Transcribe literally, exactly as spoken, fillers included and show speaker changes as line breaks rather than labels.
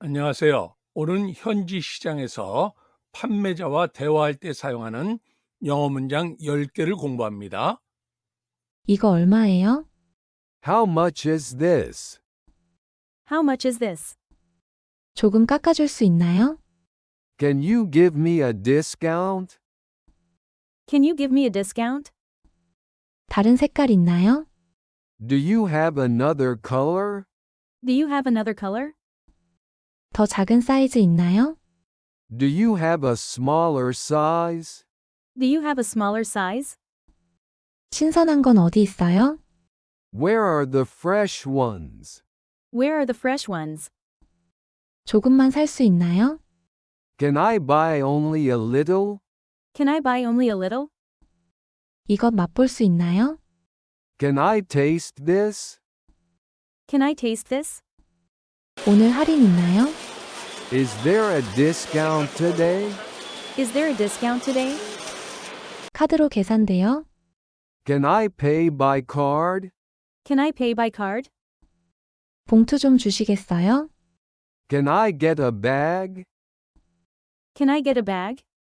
안녕하세요. 오늘은 현지 시장에서 판매자와 대화할 때 사용하는 영어 문장 열 개를 공부합니다.
이거 얼마예요?
How much is this?
How much is this?
조금 깎아줄 수 있나요?
Can you give me a discount?
Can you give me a discount?
다른 색깔 있나요?
Do you have another color?
Do you have another color?
더 작은 사이즈 있나요?
Do you have a smaller size?
Do you have a smaller size?
신선한 건 어디 있어요?
Where are the fresh ones?
Where are the fresh ones?
조금만 살 수 있나요?
Can I buy only a little?
Can I buy only a little?
이것 맛볼 수 있나요?
Can I taste this?
Can I taste this?
오늘 할인 있나요?
Is there a discount today?
Is there a discount today?
카드로 계산돼요?
Can I pay by card?
Can I pay by card?
봉투 좀 주시겠어요?
Can I get a bag?
Can I get a bag?